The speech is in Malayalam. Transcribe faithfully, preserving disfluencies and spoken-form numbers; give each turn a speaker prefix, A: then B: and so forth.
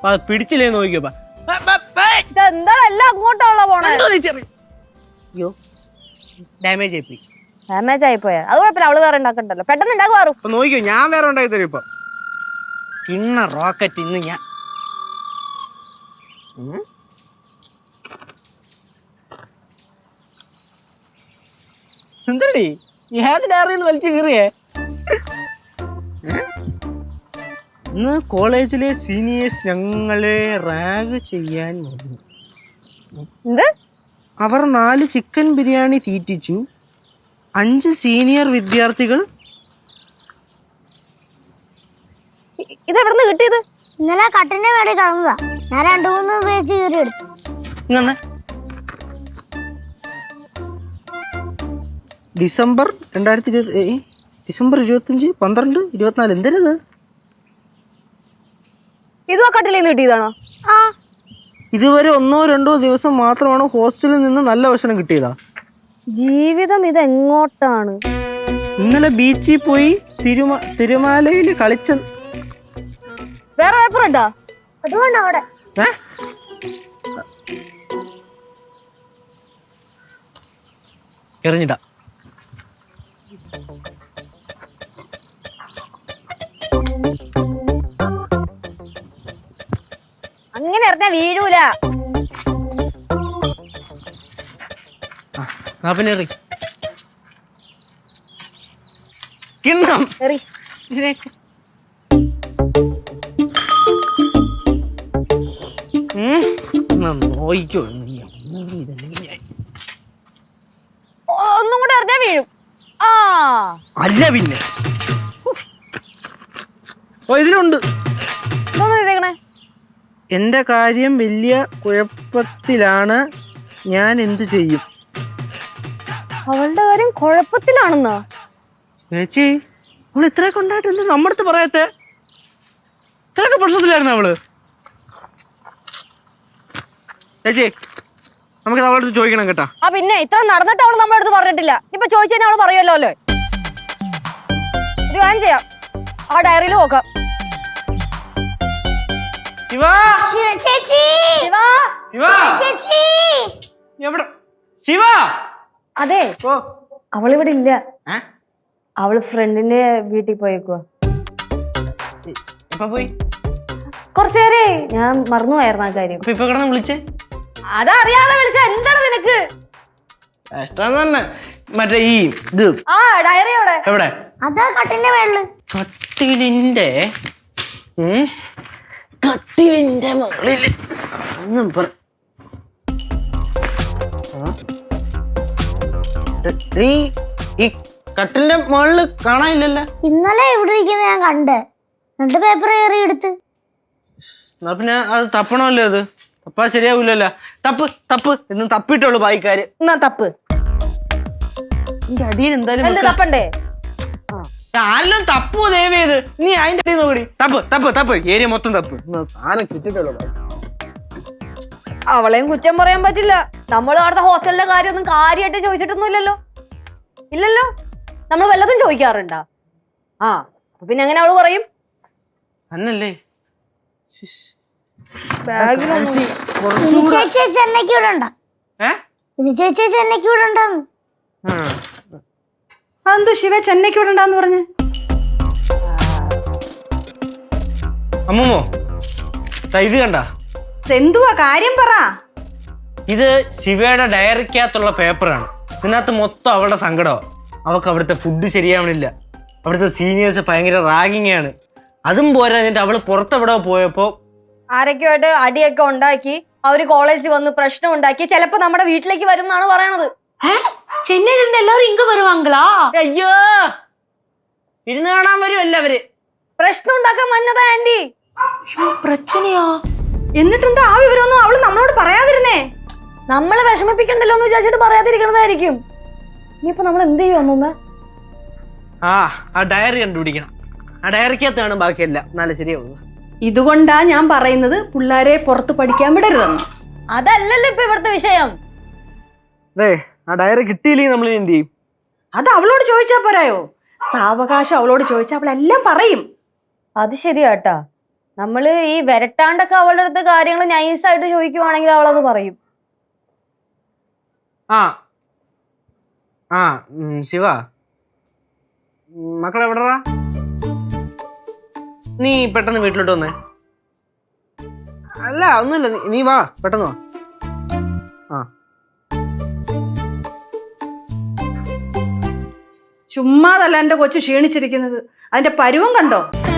A: പിടിച്ചില്ലേ നോക്കിയപ്പോ
B: എന്താണ് എല്ലാം അങ്ങോട്ടുള്ള പോണേ?
A: അയ്യോ ഡാമേജ് ആയിപ്പോയി.
B: ഡാമേജ് ആയിപ്പോയാ അത് കുഴപ്പമില്ല, അവള് വേറെ ഉണ്ടാക്കണ്ടല്ലോ, പെട്ടെന്ന് ഉണ്ടാക്കുവാറു.
A: നോക്കിയോ, ഞാൻ വേറെ ഉണ്ടാക്കി തരും ഇപ്പൊ. ഇന്ന റോക്കറ്റ് ഇന്ന് ഞാൻ എന്തടി ഏത് ഡയറിന്ന് വലിച്ചു കീറിയേ? ഇന്ന് കോളേജിലെ സീനിയേഴ്സ് ഞങ്ങളെ റാഗ് ചെയ്യാൻ വന്നു.
B: എന്ത്?
A: അവർ നാല് ചിക്കൻ ബിരിയാണി തീറ്റിച്ചു. അഞ്ച് സീനിയർ വിദ്യാർത്ഥികൾ.
B: ഇതെവിടുന്ന് കിട്ടിയത്?
C: ഇന്നലെ കട്ടിന്റെ മേളിൽ കളഞ്ഞതാ, ഞാൻ രണ്ടു മൂന്ന് പേജ് കീറി എടുത്തു.
A: ഇങ്ങനെ ഡിസംബർ രണ്ടായിരത്തി ഇരുപത്തി ഡിസംബർ ഇരുപത്തഞ്ച് പന്ത്രണ്ട് ഇരുപത്തിനാല് എന്തരത്?
B: ഇതും ആ കട്ടിലിൽ നിന്ന് കിട്ടിയതാണോ?
C: ആ,
A: ഇതുവരെ ഒന്നോ രണ്ടോ ദിവസം മാത്രമാണ് ഹോസ്റ്റലിൽ നിന്ന് നല്ല ഭക്ഷണം കിട്ടിയതാ.
B: ജീവിതം ഇതെങ്ങോട്ടാണ്?
A: ഇന്നലെ ബീച്ചിൽ പോയി തിരുമ തിരുമാലയിൽ കളിച്ച.
B: വേറെ പേപ്പർ ഉണ്ടോ?
C: അതുകൊണ്ട് അവിടെ
A: എറിഞ്ഞിടാ.
B: അങ്ങനെ എറിഞ്ഞാ വീഴൂല.
A: പിന്നെ എറി കിണ്ണം
B: എറി.
A: നോയിക്കോ,
B: ഒന്നും കൂടെ എറിഞ്ഞാ വീഴും. ആ
A: അല്ല പിന്നെ ഓ ഇതിലുണ്ട്.
B: ഇതൊന്നും ചെയ്തേക്കണേ.
A: എന്റെ കാര്യം വലിയ കുഴപ്പത്തിലാണ്, ഞാൻ എന്ത് ചെയ്യും?
B: അവളുടെ കാര്യം കുഴപ്പത്തിലാണെന്നാ?
A: ചേച്ചി അവള് ഇത്രയൊക്കെ ഉണ്ടായിട്ട് എന്ത് നമ്മുടെ അടുത്ത് പറയാത്തെ? ഇത്രയൊക്കെ പ്രശ്നത്തിലായിരുന്നു അവള്. ചേച്ചി നമുക്കത് അവളുടെ അടുത്ത് ചോദിക്കണം കേട്ടാ.
B: ആ പിന്നെ ഇത്ര നടന്നിട്ട് അവള് നമ്മുടെ അടുത്ത് പറഞ്ഞിട്ടില്ല. ഇപ്പൊ ചോദിച്ചു കഴിഞ്ഞാൽ അവള് പറയുമല്ലോ അല്ലേ? ഒരു കാര്യം ചെയ്യാം, ആ ഡയറിയിൽ നോക്കാം.
A: ശിവ
C: ചേച്ചി
A: ശിവ
C: ചേച്ചി
A: എവിടെ? ശിവ
B: അതെ,
A: ഓ
B: അവളിവിടെ ഇല്ല.
A: ഏ?
B: അവള് ഫ്രണ്ടിന്റെ വീട്ടിൽ പോയേക്കുവാ.
A: എപ്പ പോയി?
B: കുറച്ചു നേരേ ഞാൻ മറന്നുപോയായിരുന്നു ആ കാര്യം.
A: അപ്പൊ ഇപ്പൊ കിടന്ന് വിളിച്ചേ?
B: അതറിയാതെ വിളിച്ച എന്താണ് നിനക്ക്?
A: കഷ്ടം തന്നെ. മറ്റേ ഈ ഇത്
B: ആ ഡയറി എവിടെ?
A: എവിടെ?
C: അതാ കട്ടിന്റെ മേളില്.
A: കട്ടിലിന്റെ ഉം കട്ടിലിന്റെ മുകളില് ഒന്നും പറ. ഈ കട്ടിലിന്റെ മുകളില് കാണാനില്ലല്ലോ.
C: ഇന്നലെ ഇവിടെ ഇരിക്കുന്ന ഞാൻ കണ്ട്, എന്നിട്ട് പേപ്പർ കയറി എടുത്ത്.
A: എന്നാ പിന്നെ അത് തപ്പണമല്ലോ. അത് തപ്പാ ശരിയാവൂലല്ലോ. തപ്പ് തപ്പ് എന്ന് തപ്പിട്ടുള്ളൂ ബായിക്കാര്.
B: എന്നാ തപ്പ്.
A: എന്റെ അടിയിൽ എന്തായാലും
B: തപ്പണ്ടേ?
A: ആരെല്ലാം തപ്പു ദയവ് ചെയ്ത്. നീ അതിന്റെ അടിയിൽ നോക്കടി. തപ്പ് തപ്പ് തപ്പ് ഏരിയ മൊത്തം തപ്പ്. സാധനം കിട്ടിട്ടുള്ളൂ.
B: അവളെയും കുറ്റം പറയാൻ പറ്റില്ല. നമ്മൾ അവിടുത്തെ ഹോസ്റ്റലിന്റെ കാര്യം ഒന്നും കാര്യമായിട്ട് ചോദിച്ചിട്ടൊന്നും ഇല്ലല്ലോ. ഇല്ലല്ലോ, നമ്മൾ വല്ലതും ചോദിക്കാറുണ്ടാ? ആ പിന്നെ എങ്ങനെ അവള് പറയും?
A: അന്നല്ലേ
C: ചേച്ചി ചെന്നൈക്ക് ഇവിടെ ഉണ്ടാ. ഇനി ചേച്ചി ചെന്നൈക്ക് ഇവിടെ ഉണ്ടാന്ന്.
D: അതെന്തോ ശിവ ചെന്നൈക്ക് ഇവിടെ ഉണ്ടാന്ന് പറഞ്ഞ്?
A: അമ്മൂമ്മോ ഇത് കണ്ട?
D: എന്തുവാ കാര്യം പറ.
A: ഇത് ശിവയുടെ ഡയറിക്കകത്തുള്ള പേപ്പറാണ്. ഇതിനകത്ത് മൊത്തം അവളുടെ സങ്കടം. അവൾക്ക് അവിടുത്തെ ഫുഡ് ശരിയാവണില്ല, അവിടുത്തെ സീനിയേഴ്സ് ഭയങ്കര റാഗിങ് ആണ്. അതും പോരാ, എന്നിട്ട് അവള് പുറത്തെവിടെ പോയപ്പോ
B: ആരൊക്കെയായിട്ട് അടിയൊക്കെ ഉണ്ടാക്കി, അവര് കോളേജിൽ വന്ന് പ്രശ്നം ഉണ്ടാക്കി, ചിലപ്പോ നമ്മുടെ വീട്ടിലേക്ക് വരും എന്നാണ് പറയണത്.
D: ചെന്നൈയിൽ നിന്ന് എല്ലാവരും ഇങ്ങ് വരുവാങ്കളാ?
A: അയ്യോ, ഇരുന്ന് കാണാൻ വരും എല്ലാവര്.
B: പ്രശ്നം ഉണ്ടാക്കാൻ വന്നതാ ആന്റി.
D: പ്രശ്നയാ? എന്നിട്ടെന്താ ആ വിവരമൊന്നും അവള് നമ്മളോട് പറയാതിരുന്നേ?
B: നമ്മളെ വിഷമിപ്പിക്കണ്ടല്ലോ എന്ന് വിചാരിച്ചിട്ട് പറയാതിരിക്കണതായിരിക്കും. ഇനിയിപ്പോ നമ്മൾ എന്ത് ചെയ്യും അമ്മൂമ്മ?
A: ആ ആ ഡയറി കണ്ടുപിടിക്കണം. ആ ഡയറിക്കകത്താണ് ബാക്കിയെല്ലാം. നല്ല ശരിയാവുന്നു.
D: ഇതുകൊണ്ടാ ഞാൻ പറയുന്നത് പിള്ളേരെ പുറത്ത് പഠിക്കാൻ വിടരുതെന്ന്.
B: അതല്ലല്ലോ ഇപ്പൊ ഇവിടുത്തെ വിഷയം.
A: അതെ, ആ ഡയറി കിട്ടിയില്ലെങ്കിൽ നമ്മൾ എന്ത് ചെയ്യും?
D: അത് അവളോട് ചോദിച്ചാ പോരായോ? സാവകാശം അവളോട് ചോദിച്ചാൽ അവളെല്ലാം പറയും.
B: അത് ശരിയാട്ടാ. നമ്മള് ഈ വരട്ടാണ്ടൊക്കെ അവളുടെ അടുത്ത് കാര്യങ്ങൾ നൈസായിട്ട് ചോദിക്കുവാണെങ്കിൽ അവളത് പറയും.
A: ആ ആ ഉം, ശിവ മക്കൾ എവിടെടാ? നീ പെട്ടെന്ന് വീട്ടിലോട്ട് വന്നേ. അല്ല ഒന്നുമില്ല, നീ- നീ വാ, പെട്ടെന്ന് വാ. ആ
D: ചുമ്മാതല്ല എന്റെ കൊച്ചു ക്ഷീണിച്ചിരിക്കുന്നത്, അതിന്റെ പരുവം കണ്ടോ?